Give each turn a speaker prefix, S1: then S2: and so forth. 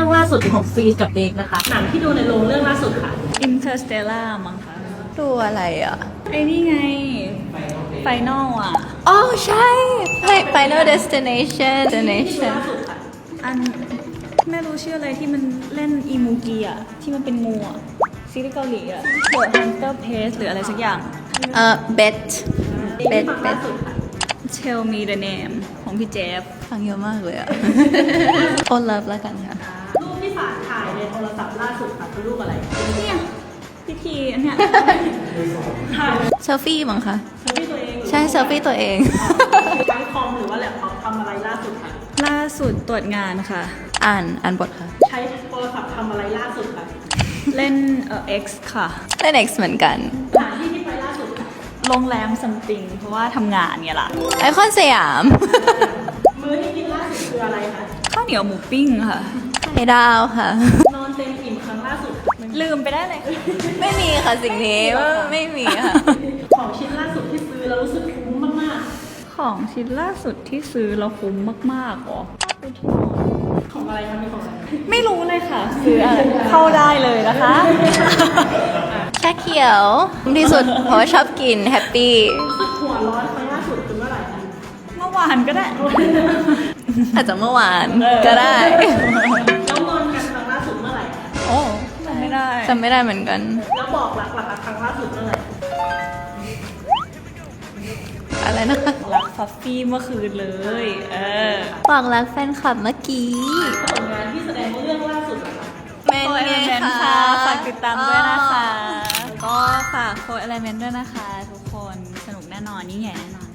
S1: รื่องล่าสุดของฟีกับเด็กนะคะหนังที่ดูในโรงเรื่องล่าสุดค่ะ
S2: Interstellar มั้งคะ
S3: ดูอะไรอ่ะ
S2: ไอ้นี่ไง Final อ่ะ
S3: อ๋อใช่ Final Destination
S2: อันไม่รู้ชื่ออะไรที่มันเล่นอีมูกีอ่ะ ที่มันเป็นงูอ่ะซีรีส์เกาหลีอ่ะ The Hunter Pace หรืออะไรสักอย่าง
S3: Bet
S1: ล่าสุดค่ะ
S2: Tell Me the Name ของพี่เจฟ
S3: ฟังเยอะมากเลยอ่ะ โอ Love แล้วกันค่ะ
S1: รูปที่ฝากถ่ายในโทรศัพท์ล่าสุดค่ะคือรูปอะไร
S2: เนี่ยพิธีอันเนี้ย
S1: ถ่าย
S3: เซลฟี่มั้งคะ
S1: เซลฟี่ตัวเอง
S3: ใช่เซลฟี่ตัวเอง
S1: ใช้คอมหรือว่าแล็ปท็อปทำอะไรล่าสุดค่ะ
S2: ล่าสุดตรวจงานค่ะ
S3: อ่านบทค่ะ
S1: ใช้โทรศัพท์ทำอะไรล่าสุดค่ะ
S2: เล่นX ค่ะ
S3: เล่น X เหมือนกัน
S1: สถานที่ที่ไปล่าสุดค่ะ
S2: โรงแรมซัมติงเพราะว่าทำงานเนี่ยล่ะ
S3: ไอคอนสยาม
S1: มื้อที่กินล่าสุดคืออะไรคะ
S2: ข้าวเหนียวหมูปิ้งค่ะ
S3: ไข่ดาวค่ะ
S1: นอนเต็มอิ่มครั้งล่าสุด
S2: ลืมไปได้เลย
S3: ไม่มีค่ะสิ่งนี้ไม่มีค่ะ
S1: ของชิ้นล่าสุดที่ซื้อแล้วรู้สึกคุ้มมาก
S2: ของชิ้นล่าสุดที่ซื้อแล้วคุ้มมากๆหรอ
S1: ๆของอะไรคะมีของอะไร
S2: ไม่รู้เลยค่ะ ซื้ออะไรเข้าได้เลยนะคะ
S3: ชาเขียวที่สุดเพราะว่าชอบกินแฮปปี้
S1: รู้สึกหัวร้อนครั้งล่าสุดคือเมื่อไหร่คะ
S2: เมื่อวานก็ได้
S3: อาจจะเมื่อวานก็ได้
S1: แล้วงอนกันครั้งล่าสุดเมื่อไหร่คะ
S2: โอ้จำไม่ได้
S3: จำไม่ได้เหมือนกัน
S1: แล้วบอกรักล่ะคะครั้งล่าสุดเมื่อไหร่
S3: อะไรนะคะ
S2: รักฟัฟฟี่เมื่อคืนเลย
S3: บอกรักแฟนคลับเมื่อกี้
S1: ผลงานที่แสดงเรื่องล่าสุดเหรอคะ
S3: เมน
S2: โคเอ
S3: ไง
S2: ลเมนต์
S3: ค่ะ
S2: ค่ะ ฝากติดตามด้วยนะคะ
S3: ก็ฝากโคเอลเมนต์ด้วยนะคะ
S2: ทุกคนสนุกแน่นอนยิ่งใหญ่แน่นอน